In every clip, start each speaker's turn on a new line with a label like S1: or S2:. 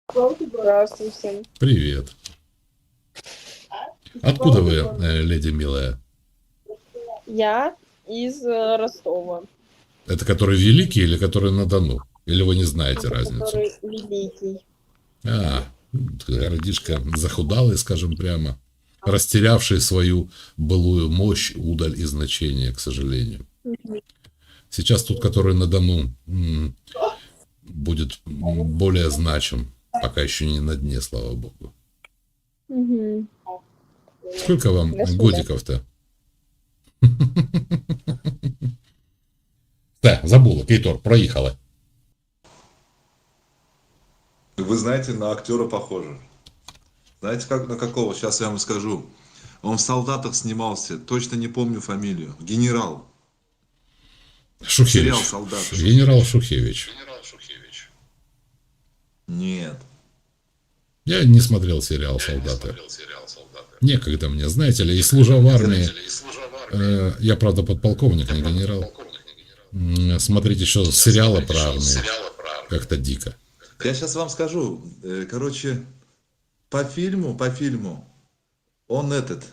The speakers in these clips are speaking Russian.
S1: Здравствуй всем.
S2: Привет. Откуда вы, леди милая?
S1: Я из Ростова,
S2: Это который великий или который на Дону? Или вы не знаете разницу?
S1: который великий.
S2: А, городишко захудалый, скажем прямо, растерявший свою былую мощь, удаль и значение, к сожалению.
S1: Мгм.
S2: Сейчас тут, который на Дону, будет более значим, пока еще не на дне, слава богу.
S1: Мгм.
S2: Сколько вам
S1: До свидания.
S2: годиков-то? Да, забула, Кейтор, проехала.
S3: Вы знаете, на актера похоже. Знаете, как, на какого? Сейчас я вам скажу. Он в «Солдатах» снимался, точно не помню фамилию. Генерал. Сериал
S2: Шухевич.
S3: «Солдаты».
S2: Генерал Шухевич.
S3: Нет.
S2: Я не смотрел сериал «Солдаты». Некогда мне, знаете ли, и служа в армии, я, правда, подполковник, не генерал, смотреть еще сериалы про армию как-то дико.
S3: Я сейчас вам скажу. Короче, по фильму, он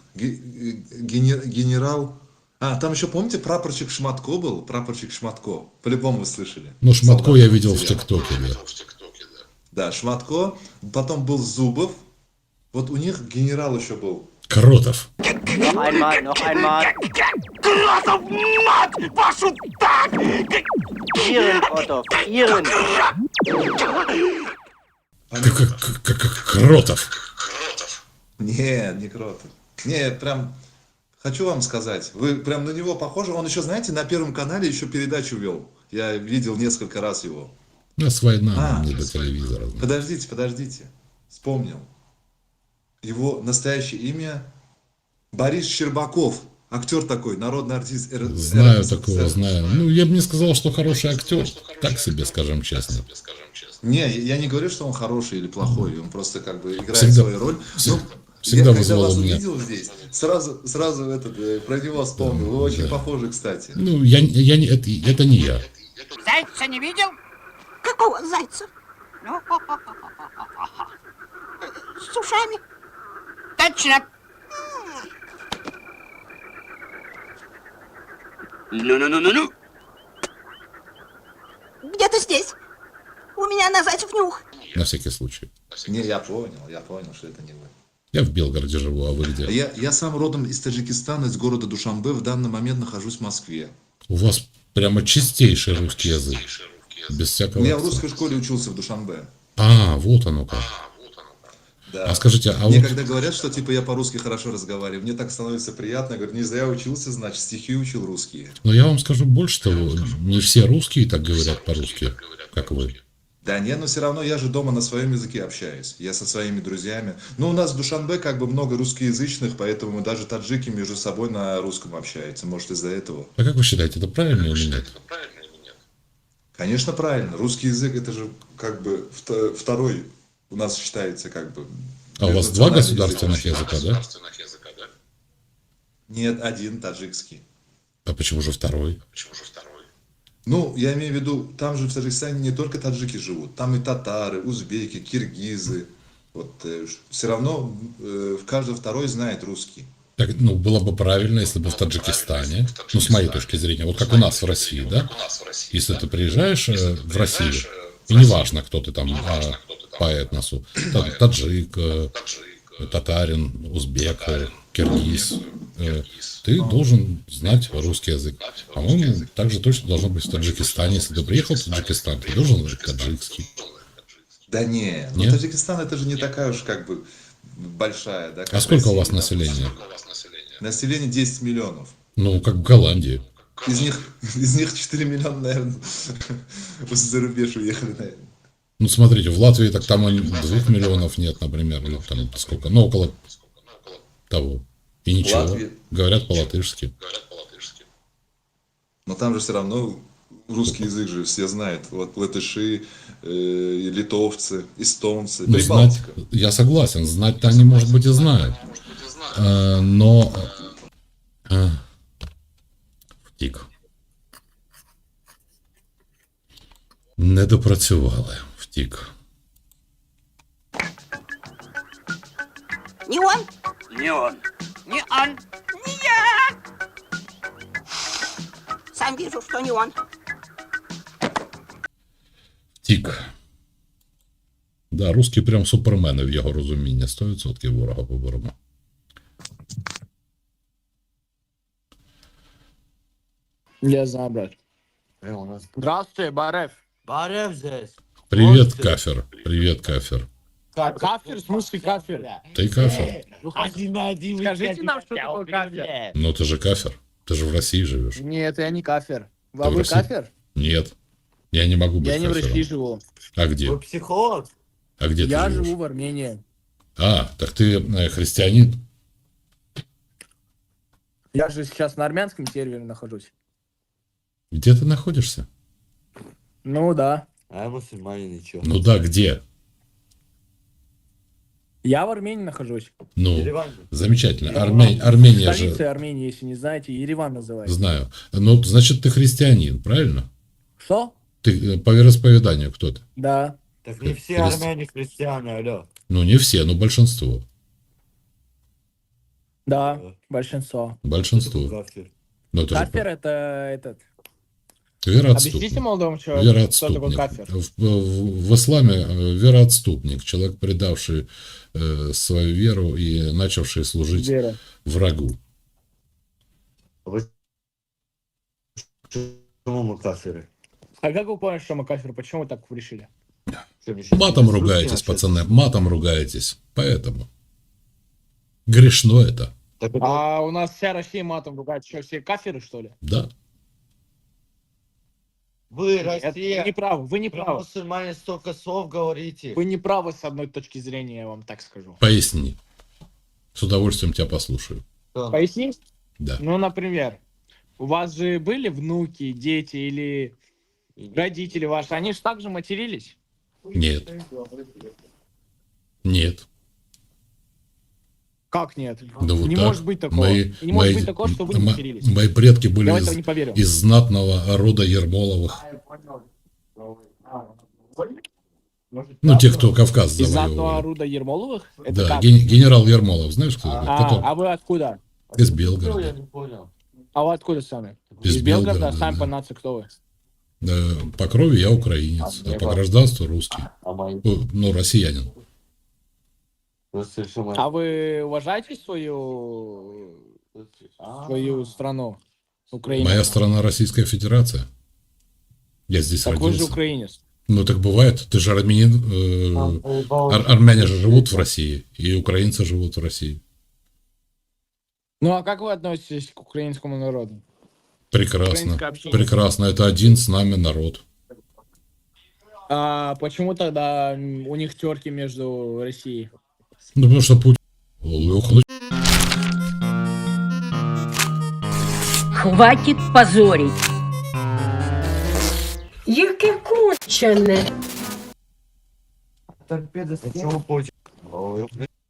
S3: генерал... А, там еще, помните, прапорщик Шматко был? Прапорщик Шматко. По-любому вы слышали.
S2: Ну, Шматко
S3: «Солдаты»
S2: я видел в
S3: сериал.
S2: ТикТоке, да.
S3: Да, Шматко. Потом был Зубов. Вот у них генерал еще был.
S2: Кротов.
S4: Noch einmal, noch einmal.
S5: Красов, мать вашу, так!
S4: Ihren, Otto, Ihren.
S2: Кротов.
S3: Нет, не Кротов. Не, прям хочу вам сказать, вы прям на него похожи. Он еще, знаете, на Первом канале еще передачу вел. Я видел несколько раз его.
S2: У нас война,
S3: А,
S2: нам не до телевизора.
S3: Подождите. Вспомнил. Его настоящее имя Борис Щербаков. Актер такой, народный артист
S2: Знаю
S3: РСФСР.
S2: такого, знаю. Ну, я бы не сказал, что хороший актер. Так себе, скажем честно.
S3: Не, я не говорю, что он хороший или плохой. Он просто как бы играет
S2: Всегда-
S3: свою роль.
S2: всегда-
S3: Ну,
S2: всегда
S3: я когда
S2: вызывал
S3: вас
S2: у меня-
S3: увидел здесь, сразу про него вспомнил. Вы очень похожи, кстати.
S2: Ну, я не, это не я.
S5: Зайца не видел?
S6: Какого зайца?
S5: Ну, с ушами. Точно. Ну.
S6: Где-то здесь. У меня на зайцев нюх.
S2: На всякий случай.
S3: Не, я понял, что это не вы.
S2: Я в Белгороде живу, а вы где?
S3: Я сам родом из Таджикистана, из города Душанбе. В данный момент нахожусь в Москве.
S2: У вас прямо чистейший русский язык. Без всякого
S3: Я в
S2: акцента.
S3: русской школе учился в Душанбе.
S2: А, вот оно как.
S3: Да.
S2: А скажите, а
S3: Мне
S2: вот...
S3: когда говорят, что типа я по-русски хорошо разговариваю, мне так становится приятно. Я говорю, не зря учился, значит, стихи учил русские.
S2: Но я вам скажу больше того, не все русские так говорят по-русски, как вы.
S3: Да нет, но все равно я же дома на своем языке общаюсь. Я со своими друзьями. Ну, у нас в Душанбе как бы много русскоязычных, поэтому мы даже таджики между собой на русском общаются. Может, из-за этого.
S2: А как вы считаете, это правильно или нет?
S3: Конечно, правильно. Русский язык это же как бы второй у нас считается как бы.
S2: А у вас два
S3: межнациональный
S2: государственных
S3: язык.
S2: языка, да?
S3: Нет, один таджикский.
S2: А почему же второй?
S3: Ну, я имею в виду, там же в Таджикистане не только таджики живут, там и татары, узбеки, киргизы. Вот все равно каждый второй знает русский.
S2: Так, ну, было бы правильно, если бы в Таджикистане, ну, с моей точки зрения, вот как у нас в России, да? Если ты приезжаешь в Россию, и неважно, кто ты там по этносу, таджик, татарин, узбек, киргиз, ты должен знать русский язык. По-моему, так же точно должно быть в Таджикистане. Если ты приехал в Таджикистан, ты должен знать таджикский.
S3: Да не, ну
S2: Нет?
S3: Таджикистан это же не такая уж как бы большая, да?
S2: А
S3: как
S2: сколько у
S3: Россия,
S2: вас
S3: да.
S2: населения?
S3: Население 10 миллионов.
S2: Ну, как в Голландии.
S3: Из них 4 миллиона, наверное, за рубеж уехали, наверное.
S2: Ну, смотрите, в Латвии так там 2 миллионов нет, например, или там сколько, ну, около того. И ничего,
S3: Латвия.
S2: говорят по-латышски.
S3: Но там же все равно русский язык же все знают. Вот латыши, литовцы, эстонцы,
S2: Ну, знать,
S3: Прибалтика.
S2: я согласен, знать-то они, может быть, и знают. Но... Втік. Не допрацювали, втік.
S6: Не он?
S5: Не он. Не он.
S6: Не я! Сам вижу, что не он.
S2: Тік. Да, русські прям супермени в його розумінні. 100% ворога поборемо.
S7: Я знаю, брат.
S4: Здравствуй, Барев.
S8: Барев здесь.
S2: Привет, Кафер. Привет, Кафер.
S7: Кафир? В смысле кафир?
S2: Ты Кафер?
S8: Один на один.
S7: Скажите нам, что такое кафир.
S2: Ну, ты же Кафер. Ты же в России живешь.
S7: Нет, я не кафир.
S2: Ты
S7: А
S2: в
S7: вы
S2: России?
S7: кафир?
S2: Нет. Я не могу быть
S7: Я не в
S2: кафером.
S7: России живу.
S2: А где?
S8: Вы психолог?
S2: А где
S7: Я
S2: ты живешь?
S7: живу в Армении.
S2: А, так ты христианин?
S7: Я же сейчас на армянском сервере нахожусь.
S2: Где ты находишься?
S7: Ну да.
S8: А я мусульманин, ничего.
S2: Ну да, где?
S7: Я в Армении нахожусь.
S2: Ну,
S8: Ереван.
S2: замечательно. Армения
S7: Столица
S2: же...
S7: Армении, если не знаете, Ереван называется.
S2: Знаю. Ну, значит, ты христианин, правильно?
S7: Что?
S2: Ты по вероисповеданию кто ты?
S7: Да.
S8: Так не все
S2: Христ-
S8: армяне христиане, алло.
S2: Ну, не все, но большинство.
S7: Да, большинство.
S2: Большинство.
S8: Кафир.
S2: Ну, это же
S7: Кафир это этот.
S2: вероотступник.
S7: Объясните молодому человеку, что такое
S2: Вероотступник.
S7: кафир.
S2: В исламе вероотступник. Человек, предавший свою веру и начавший служить
S7: Вера.
S2: врагу.
S8: Вы почему мы кафиры?
S7: А как вы поняли, что мы кафир? Почему вы так решили?
S8: Что, мне щас
S2: Матом
S8: не
S2: ругаетесь,
S8: русские
S2: пацаны, матом ругаетесь. Поэтому. Грешно это.
S8: Так это-
S7: А у нас вся Россия матом ругает. Что, все кафиры, что ли?
S2: Да.
S8: Вы,
S7: Это
S8: Россия,
S7: не правы, вы не
S8: про
S7: правы.
S8: мусульмане столько слов говорите.
S7: Вы не правы с одной точки зрения, я вам так скажу.
S2: Поясни. С удовольствием тебя послушаю.
S8: Что?
S7: Пояснить?
S2: Да.
S7: Ну, например, у вас же были внуки, дети или родители ваши, они же также матерились?
S2: Нет. Нет.
S7: Как нет?
S2: Да вот
S7: Не
S2: так.
S7: может быть такого. И не может быть такого, что вы не матерились.
S2: Мои предки были
S7: Я в это не поверю.
S2: из знатного рода Ермоловых. Ну, те, кто Кавказ
S7: Из знатного
S2: завоевывали.
S7: рода Ермоловых? Это
S2: Да,
S7: как?
S2: генерал Ермолов, знаешь, кто такой? Который
S7: А вы откуда?
S2: из
S8: Я
S2: Белгорода.
S8: не понял.
S7: А вы откуда сами?
S2: Из
S7: Из Белгорода,
S2: Белгорода,
S7: а сами
S2: да.
S7: по нации кто вы?
S2: По крови я украинец, а по гражданству русский.
S8: А мои?
S2: Ну, россиянин.
S8: Просто что мы-
S7: А вы уважаете свою страну? Украину?
S2: Моя страна Российская Федерация. Я здесь
S7: Так вы же
S2: родился.
S7: украинец.
S2: Ну, так бывает. Ты же армянин. Армяне же живут в России, и украинцы живут в России.
S7: Ну а как вы относитесь к украинскому народу?
S2: Прекрасно.
S7: Украинское общение.
S2: Прекрасно. Это один с нами народ.
S7: А почему тогда у них терки между Россией?
S2: Ну, потому что Путин... Ох,
S9: Хватит позорить.
S6: Яке кончене.
S8: Почему Путин? Ой,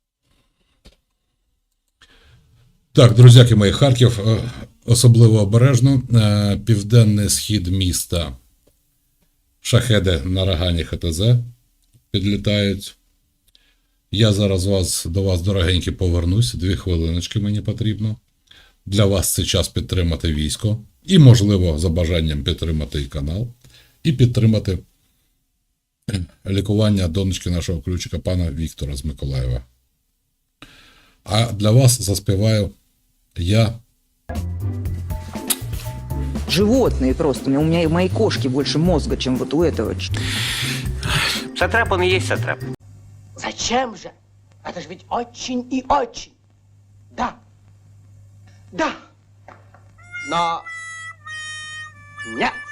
S2: Так, друзяки мої, Харків особливо обережно. Південний схід міста. Шахеди на Рагані ХТЗ підлітають. Я зараз до вас, дорогенькі, повернусь. 2 хвилиночки мені потрібно. Для вас це час підтримати військо. І, можливо, за бажанням підтримати і канал. І підтримати лікування донечки нашого ключика, пана Віктора з Миколаєва. А для вас заспіваю я.
S9: Животные просто. У меня и моей кошки больше мозга, чем вот у этого.
S4: Сатрап он и есть сатрап.
S5: Зачем же? Это же ведь очень и очень. Да. Да. Но... Нет.